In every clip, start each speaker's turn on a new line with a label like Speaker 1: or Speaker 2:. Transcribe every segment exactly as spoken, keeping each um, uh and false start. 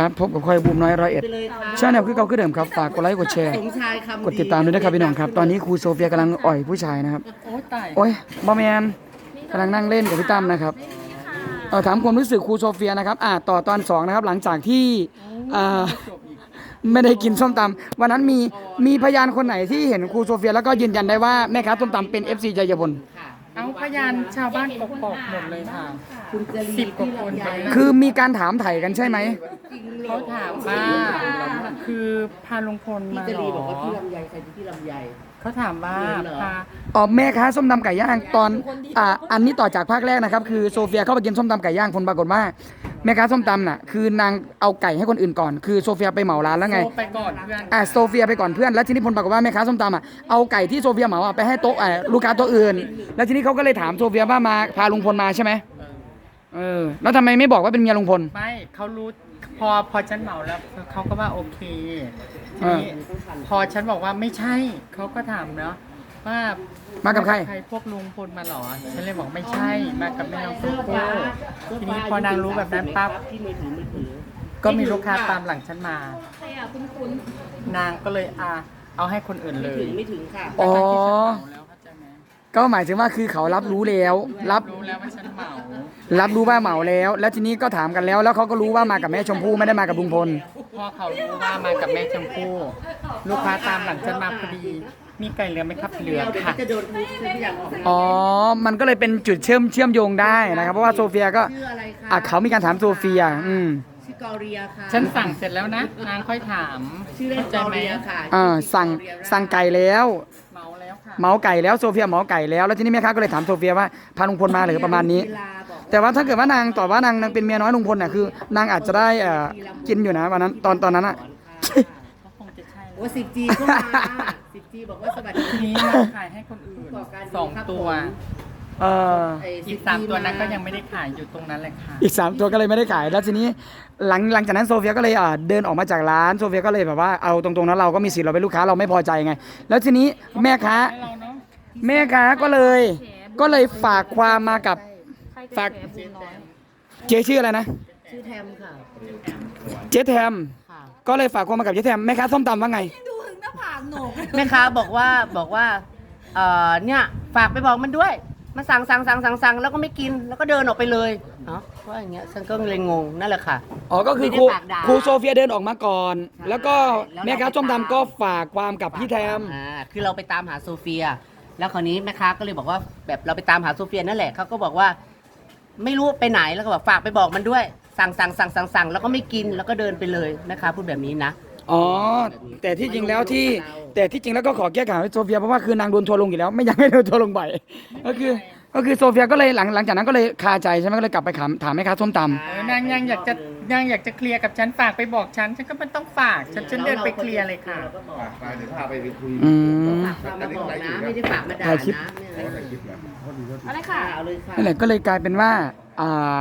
Speaker 1: ครับพบกับคอยบูมน้อยร้อยเอ็ดชาแนลคือเก่าคือเดิมครับฝากกดไลค์กดแชร์กดติดตามด้วยนะครับพี่น้องครับตอนนี้ครูโซเฟียกำลังอ่อยผู้ชายนะครับโอ้ยตายโอ้ยบอแมนกำลังนั่งเล่นกับพี่ตั้มนะครับเออถามความรู้สึกครูโซเฟียนะครับอ่าต่อตอนสองนะครับหลังจากที่อ่าไม่ได้กินส้มตำวันนั้นมีมีพยานคนไหนที่เห็นครูโซเฟียแล้วก็ยืนยันได้ว่าแม่ค้าส้มตำเป็น เอฟ ซี ใจเย็นพล
Speaker 2: เอาพยานชาวบ้านกกอกหมดเลยค่ะสิบกว่าคนเลย
Speaker 1: คือมีการถามไถ่กันใช่ไหม
Speaker 2: เขาถามว่าคือพาลุงพลมาหรอบอกว่าพี่ลำไยใครพี่ลำไยเขาถามว่าพา
Speaker 1: อ๋อแม่ค้าส้มตำไก่ย่างตอนอ่าอันนี้ต่อจากภาคแรกนะครับคือโซเฟียเข้าไปกินส้มตำไก่ย่างผลปรากฏว่าแม่ค้าส้มตำน่ะคือนางเอาไก่ให้คนอื่นก่อนคือโซเฟียไปเหมาร้านแล้วไง
Speaker 2: ไปก่อนเพื่อน
Speaker 1: อ่าโซเฟียไปก่อนเพื่อนแล้วทีนี้ผลปรากฏว่าแม่ค้าส้มตำอ่ะเอาไก่ที่โซเฟียเหมาอ่ะไปให้โต๊ะอ่าลูกค้าโต๊ะอื่นแล้วทีนี้เขาก็เลยถามโซเฟียว่ามาพาลุงพลมาใช่ไหมเออแล้วทำไมไม่บอกว่าเป็นเมียลุงพล
Speaker 2: ไม่เขารู้พอพอฉันเหมาแล้วเขาก็ว่าโอเคทีนี้พอฉันบอกว่าไม่ใช่เขาก็ถามเนาะว่า
Speaker 1: มากับใคร
Speaker 2: ใครพวกลุงพลมาหรอฉันเลยบอกไม่ใช่มากับแม่น้องชมพู่ทีนี้พอนางรู้แบบนั้นปั๊บก็มีลูกค้าตามหลังฉันมานางก็เลยอ่ะเอาให้คนอื่นเลย
Speaker 3: ไม่ถึงค่ะ
Speaker 1: อ๋อก็หมายถึงว่าคือเขารับรู้แล้วรับ
Speaker 2: รู้แล้วว่าฉันเหมา
Speaker 1: รับรู้ว่าเหมาแล้วแล้วทีนี้ก็ถามกันแล้วแล้วเขาก็รู้ว่ามากับแม่ชมพู่ไม่ได้มากับลุงพล
Speaker 2: พอเขารู้ว่ามากับแม่ชมพู่ลูกค้าตามหลังฉันมาพอดีมีไก่เหลือไหมครับเหลือค่ะ
Speaker 3: จะโดนทุกอย่างออก
Speaker 1: อ๋อมันก็เลยเป็นจุดเชื่อมเชื่อมโยงได้นะครับเพราะว่าโซเฟียก็อ่ะเขามีการถามโซเฟียอืม
Speaker 3: ชื่อกอเรียค่ะ
Speaker 2: ฉันสั่งเสร็จแล้วนะนางค่อยถาม
Speaker 3: ชื่อเล่นกอเรียค่ะ
Speaker 1: อ่าสั่งสั่งไก่แล้ว
Speaker 2: เมาแล้วค่ะ
Speaker 1: เมาไก่แล้วโซเฟียเมาไก่แล้วแล้วทีนี้แม่ค้าก็เลยถามโซเฟียว่าพาลุงพลมาหรือประมาณนี้แต่ว่าถ้าเกิดว่านางตอบว่านางนางเป็นเมียน้อยลุงพลน่ะคือนางอาจจะได้อ่ากินอยู่นะวันนั้นตอนตอนนั้นอ่ะ
Speaker 3: โอ้สิบจีก็มาสิบจีบอกว่าสวัสดี
Speaker 2: ทีนี้ขายให้คนอื่นสองตัว
Speaker 1: เออ
Speaker 2: อีกสามตัวนั้นก็ยังไม่ได้ขายอยู่ตรงนั้นเลยค่ะ
Speaker 1: อีกสามตัวก็เลยไม่ได้ขายแล้วทีนี้หลังหลังจากนั้นโซเฟียก็เลยอ่าเดินออกมาจากร้านโซเฟียก็เลยแบบว่าเอาตรงๆนั้นเราก็มีสิทธิ์เราเป็นลูกค้าเราไม่พอใจไงแล้วทีนี้แม่ค้าแม่ค้าก็เลยก็เลยฝากความมากับฝากเจ๊ชื่ออะไรนะ
Speaker 3: ชื่อแทมค่ะ
Speaker 1: เจ๊แทมก็เลยฝากความมากับเจ๊แทมแม่ค้าส้มตำว่าไง
Speaker 3: ดูถึงหน้าผากหนูแม่ค้าบอกว่าบอกว่าเอ่อเนี่ยฝากไปบอกมันด้วยมาสั่งสั่งสั่งสั่งสั่งแล้วก็ไม่กินแล้วก็เดินออกไปเลยเนาะว่าอย่างเงี้ยฉันก็เลยงงนั่นแหละค่ะ
Speaker 1: อ๋อก็คือครูครูโซเฟียเดินออกมาก่อนแล้วก็แม่ค้าส้มตำก็ฝากความกับพี่แทม
Speaker 3: อ่าคือเราไปตามหาโซเฟียแล้วคราวนี้แม่ค้าก็เลยบอกว่าแบบเราไปตามหาโซเฟียนั่นแหละเขาก็บอกว่าไม่รู้ไปไหนแล้วก็บอกฝากไปบอกมันด้วยสั่งสั่งสั่งสั่งสั่งแล้วก็ไม่กินแล้วก็เดินไปเลยนะคะพูดแบบนี้นะ
Speaker 1: อ๋อแต่ที่จริงแล้วที่แต่ที่จริงแล้วก็ขอแก้ข่าวให้โซเฟียเพราะว่าคือนางโดนทัวร์ลงอยู่แล้วไม่อยากให้โดนทัวร์ลงบ่อยก็คือก็คือโซเฟียก็เลยหลังหลังจากนั้นก็เลยคาใจใช่ไหมก็เลยกลับไปถามถามแม่ค้าส้มต
Speaker 2: ำนางยังอยากจะนางอยากจะเคลียร์กับฉันฝากไปบอกฉันฉันก็มันต้องฝากฉันฉันเดินไปเคลียร์เลยค่ะ
Speaker 4: ฝากเดี๋ยวพาไปคุย
Speaker 1: อืม
Speaker 3: ฝากมาบอกนะไม่ได้ฝากมาด่านะอะไรค่ะเอาเลยค่ะ
Speaker 1: นั่นแหละก็เลยกลายเป็นว่าอ่า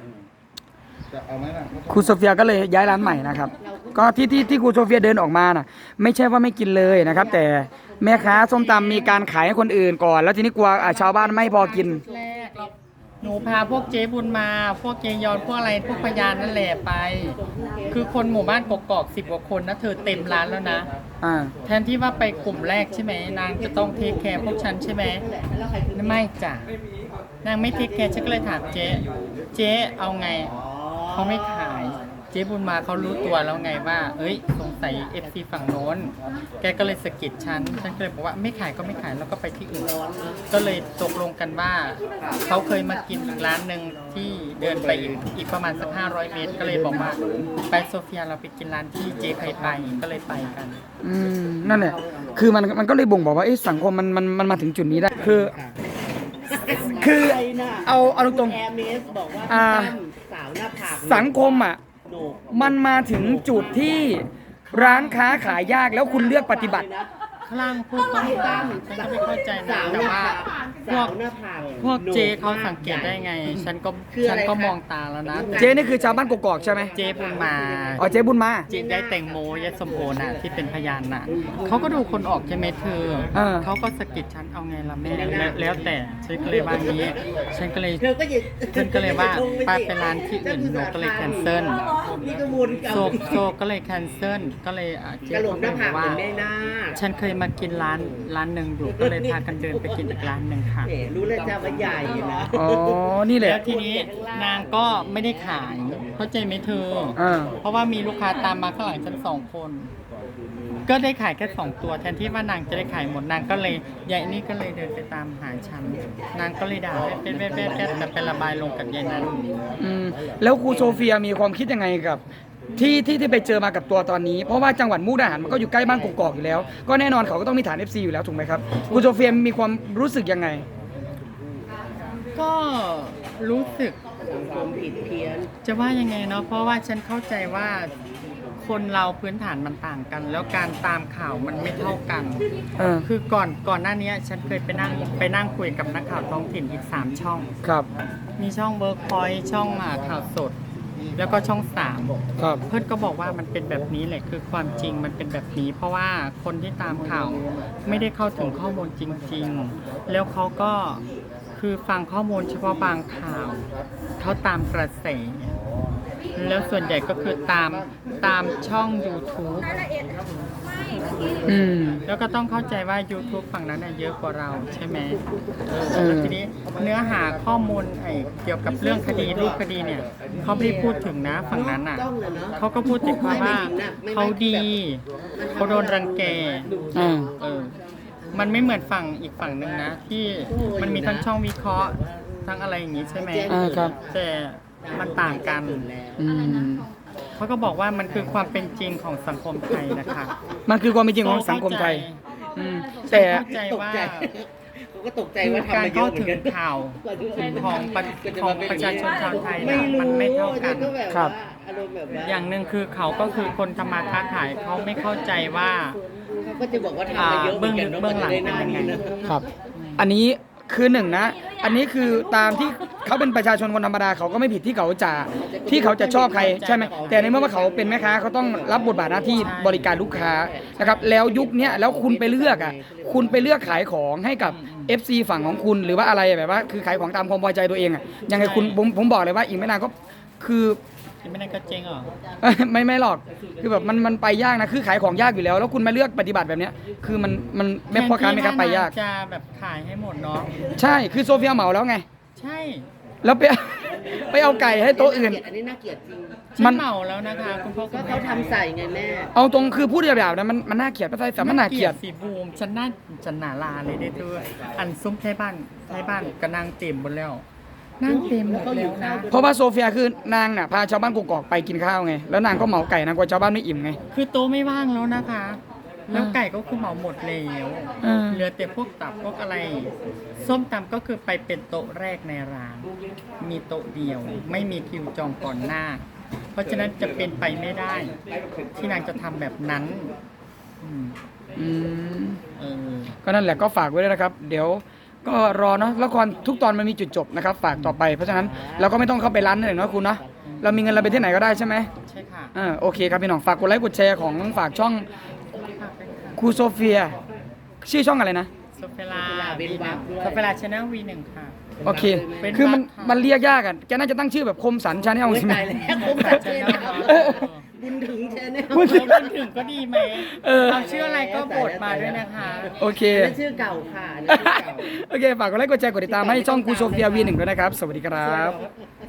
Speaker 1: ครูโซเฟียก็เลยย้ายร้านใหม่นะครับก็ที่ที่ที่ครูโซเฟียเดินออกมาน่ะไม่ใช่ว่าไม่กินเลยนะครับแต่แม่ค้าส้มตำมีการขายให้คนอื่นก่อนแล้วทีนี้กลัวชาวบ้านไม่พอกิน
Speaker 2: หนูพาพวกเจ๊บุญมาพวกเจยอนพวกอะไรพวกพยานนั่นแหละไปคือคนหมู่บ้านกกอกสิบกว่าคนนะเธอเต็มร้านแล้วนะแทนที่ว่าไปกลุ่มแรกใช่ไหมนางจะต้องเทคแคร์พวกฉันใช่ไหมไม่จ้ะนางไม่เทคแคร์ฉันก็เลยถามเจ๊เจ๊เอาไงเขาไม่ขายเจ๊บุญมาเขารู้ตัวแล้วไงว่าเอ้ยสงสัยเอฟซีฝั่งโน้นแกก็เลยสะกิดฉันฉันก็เลยบอกว่าไม่ขายก็ไม่ขายแล้วก็ไปที่อื่นก็เลยตกลงกันว่าเขาเคยมากินอีกร้านหนึ่งที่เดินไปอีกอีกประมาณสักห้าร้อยเมตรก็เลยบอกว่าไปโซเฟียเราไปกินร้านที่เจ๊เคยไปก็เลยไปกัน
Speaker 1: อืมนั่นแหละคือมันมันก็เลยบ่งบอกว่าสังคมมันมันมันมาถึงจุดนี้ได้คือคือเอาเอาตรงๆอ่าสังคมอ่ะมันมาถึงจุดที่ร้านค้าขายยากแล้วคุณเลือกปฏิบัติ
Speaker 2: คลั่งพูดต้องตามฉันก็ไม่เข้าใจนะแต่ว่าพวก
Speaker 3: สาวหน้าผาก
Speaker 2: พวกเจเขาสังเกตได้ไง ฉันก็ฉันก็มองตาแล้วนะ
Speaker 1: เจ๊นี่คือชาวบ้านกกอกใช่ไหม
Speaker 2: เจบุญมา
Speaker 1: อ๋อเจ๊บุญมา
Speaker 2: เจได้แตงโมยายสมโอน่ะที่เป็นพยานน่ะเขาก็ดูคนออกใช่ไหมเธอ
Speaker 1: เออ
Speaker 2: เขาก็สะกิดฉันเอาไงล่ะแม่แล้วแล้วแต่ฉันก็เลยว่างี้ฉันก็เลย
Speaker 3: เธอก็ยืน
Speaker 2: ฉันก็เลยว่าไปไปร้านที่อื่นหนูก็เลยแคนเซิล
Speaker 3: นี่ก็วนกลับ
Speaker 2: โซโซก็เลยแคนเซิลก็เลยอ่ะเจ๊
Speaker 3: กระโหลกหน้าผากเห
Speaker 2: ว่า
Speaker 3: มือนแม่นาค
Speaker 2: ฉันเคยมากินร้านร้านหนึ่งอยู่ก็เลยพากันเดินไปกินอีกร้านหนึ่งค่ะ
Speaker 3: แหมรู้เลยจ้าว่าใหญ่นะ
Speaker 1: อ๋อ นี่แหละ
Speaker 2: แล้วทีนี้นางก็ไม่ได้ขายเข้าใจไหมเธอ
Speaker 1: อ่า
Speaker 2: เพราะว่ามีลูกค้าตามมาข้างหลังฉันสองคน ก็ได้ขายแค่สองตัวแทนที่ว่านางจะได้ขายหมดนางก็เลยยายนี่ก็เลยเดินไปตามหาฉันนางก็เลยด่าเป็นเป็นเป็นเป็นแต่เป็นระบายลงกับยายนั้น
Speaker 1: อืมแล้วครูโซเฟียมีความคิดยังไงกับ ที่ที่ที่ไปเจอมากับตัวตอนนี้ เพราะว่าจังหวัดมุกดาหารมันก็อยู่ใกล้บ้านกกอกอยู่แล้ว ก็แน่นอนเขาก็ต้องมีฐาน เอฟ ซี อยู่แล้วถูกไหมครับครูโซเฟียมีความรู้สึกยังไง
Speaker 2: ก็รู้สึก
Speaker 3: สังคมผิดเพี้ยน
Speaker 2: จะว่ายังไงเนาะเพราะว่าฉันเข้าใจว่าคนเราพื้นฐานมันต่างกัน แล้วการตามข่าวมันไม่เท่ากัน
Speaker 1: เออ
Speaker 2: คือก่อนก่อนหน้านี้ฉันเคยไปนั่งไปนั่งคุยกับนักข่าวท้องถิ่นอีกสามช่อง
Speaker 1: ครับ
Speaker 2: มีช่องเวิร์กพอยท์ช่องอ่าข่าวสด แล้วก็ช่องสาม
Speaker 1: ครับ
Speaker 2: เพื่อนก็บอกว่ามันเป็นแบบนี้แหละคือความจริงมันเป็นแบบนี้ เพราะว่าคนที่ตามข่าวไม่ได้เข้าถึงข้อมูลจริง ๆ แล้วเขาก็คือฟังข้อมูลเฉพาะบางข่าวเขาตามกระแสแล้วส่วนใหญ่ก็คือตามตามช่อง YouTube
Speaker 1: อืม
Speaker 2: แล้วก็ต้องเข้าใจว่า YouTube ฝั่งนั้นน่ะเยอะกว่าเราใช่ไหม
Speaker 1: เออ
Speaker 2: แล้วทีนี้เนื้อหาข้อมูลไอ้เกี่ยวกับเรื่องคดีรูปคดีเนี่ยเขาไม่ได้พูดถึงนะฝั่งนั้นอ่ะเขาก็พูดถึงว่าเขาดีเขาโดนรังแก
Speaker 1: อ่า
Speaker 2: เออมันไม่เหมือนฝั่งอีกฝั่งหนึ่งนะ ที่มันมีทั้งช่องวิเคราะห์ทั้งอะไรอย่างงี้ใช่ไหม
Speaker 1: อ่าครับ
Speaker 2: แต่มันต่างกัน
Speaker 1: อืม
Speaker 2: เขาก็บอกว่ามันคือความเป็นจริงของสังคมไทยนะคะ
Speaker 1: มันคือความเป็นจริงของสังคมไทย อืม แต่
Speaker 2: เข้าใจ
Speaker 3: ตก
Speaker 2: ว่า
Speaker 3: ใจเขาก็ตกใจว่าทำ
Speaker 2: การ
Speaker 3: มาเย
Speaker 2: เข้า
Speaker 3: อะเหมื
Speaker 2: ถึ
Speaker 3: อน
Speaker 2: ง
Speaker 3: กัน
Speaker 2: ข่าวของประของประชาชนชาวไทย
Speaker 3: ไม่
Speaker 2: น่ะ
Speaker 3: รู้
Speaker 2: มันไม่เท่ากัน
Speaker 3: ก็แบบ
Speaker 1: ครั
Speaker 3: ว่า
Speaker 1: บ
Speaker 3: อารมณ์แบบว่า
Speaker 2: อย่างหนึ่งคือเขาก็คือคนทำมาค้าขายเขาไม่เข้าใจว่า
Speaker 3: เขาก็จะบอกว่าทำมาเยอะเหมือนกันเนาะ
Speaker 2: เบื้องหลัง
Speaker 3: มันจะได้หน้านี้นะครับ
Speaker 1: อันนี้คือหนึ่งนะ อันนี้คือตามที่เขาเป็นประชาชนคนธรรมดาเขาก็ไม่ผิดที่เขาจะที่เขาจะชอบใครใช่ไหมแต่ในเมื่อว่าเขาเป็นแม่ค้าเขาต้องรับบทบาทหน้าที่บริการลูกค้านะครับแล้วยุคเนี้ยแล้วคุณไปเลือกอ่ะคุณไปเลือกขายของให้กับ เอฟ ซี ฝั่งของคุณหรือว่าอะไรแบบว่าคือขายของตามความพอใจตัวเองอ่ะยังไงคุณผมผมบอกเลยว่าอีกไม่นานก็คือ
Speaker 2: ไม่ได้ก็เจ๊งเหรอ
Speaker 1: ไม่ไม่หรอกคือแบบมันมันไปยากนะคือขายของยากอยู่แล้ว แล้วคุณมาเลือกปฏิบัติแบบเนี้ยคือมันมันไม่พ่อค้าไม่ค้าไปยาก
Speaker 2: แทนที่ว่จะแบบขายให้หมดเนาะ
Speaker 1: ใช่คือโซเฟียเหมาแล้วไง
Speaker 2: ใช่
Speaker 1: แล้วไป ไปเอาไก่ให้โต๊ะอื่น
Speaker 3: อันนี้น่าเกลียดจริง
Speaker 2: ฉั
Speaker 1: มัน
Speaker 2: นเหมาแล้วนะคะคุณพ่อคุ
Speaker 3: ก็
Speaker 2: ณแม่
Speaker 3: เขาทำใส่ไงแม่
Speaker 1: เอาตรงคือพูดหยาบๆนะมันมันน่าเกลียดไม่ใช่แต่มันน่าเกลียด
Speaker 2: สีบูมฉันน่าจะหนาลาเลยได้ด้วยอันซุ้มไทยบ้านไทยบ้านก็นั่งเต็มหมดแล้วนั่งเต็มหมดแล้วนะ
Speaker 1: เพราะว่าโซเฟียคือนางน่ะพาชาวบ้านกกอกไปกินข้าวไงแล้วนางก็เหมาไก่นางกลัวชาวบ้านไม่อิ่มไง
Speaker 2: คือโต๊ะไม่ว่างแล้วนะคะ แล้วไก่ก็คือเหมาหมดแล้ว
Speaker 1: เออ
Speaker 2: เหลือแต่พวกตับพวกอะไร ส้มตำก็คือไปเป็นโต๊ะแรกในร้าน มีโต๊ะเดียว ไม่มีคิวจองก่อนหน้า เพราะฉะนั้นจะเป็นไปไม่ได้ ที่นางจะทำแบบนั้นอืม
Speaker 1: อืม
Speaker 2: เออ
Speaker 1: ก็นั่นแหละก็ฝากไว้ด้วยนะครับ เดี๋ยวก็รอเนาะละครทุกตอนมันมีจุดจบนะครับฝากต่อไปเพราะฉะนั้นเราก็ไม่ต้องเข้าไปร้านนั่นเลยเนาะคุณเนาะเรามีเงินเราไปที่ไหนก็ได้ใช่ไหม
Speaker 2: ใช่ค่ะ
Speaker 1: เออโอเคครับพี่น้องฝากกดไลค์กดแชร์ของฝากช่องครูโซเฟียชื่อช่องอะไรนะ
Speaker 2: โซเฟลาวีหนึ่งโซเฟลาชแนลวีหนึ่งค่ะ
Speaker 1: โอเค
Speaker 2: เป็น
Speaker 1: คือมัน
Speaker 2: วัดค่ะ
Speaker 1: มันเรียกยากอ่ะแกน่าจะตั้งชื่อแบบคมสันชาแนล
Speaker 3: โอ้ย
Speaker 1: ใช่ไหม
Speaker 3: ตายแล้วผมตัดเชนบุญถึงเชนแนล
Speaker 1: บุญถึ
Speaker 2: เออมันถึงก็ดีไหม
Speaker 1: เออ
Speaker 2: เอาชื่ออะไรก็โบดมาด้วยนะคะ
Speaker 1: โอเค
Speaker 3: นั่นชื่อเก่าค่ะนั่นชื่อเก่า
Speaker 1: โอเคฝากกดไลค์กดแชร์กดติดตามให้ช่องครูโซเฟียวีหนึ่งด้วยนะครับ สวัสดีครับ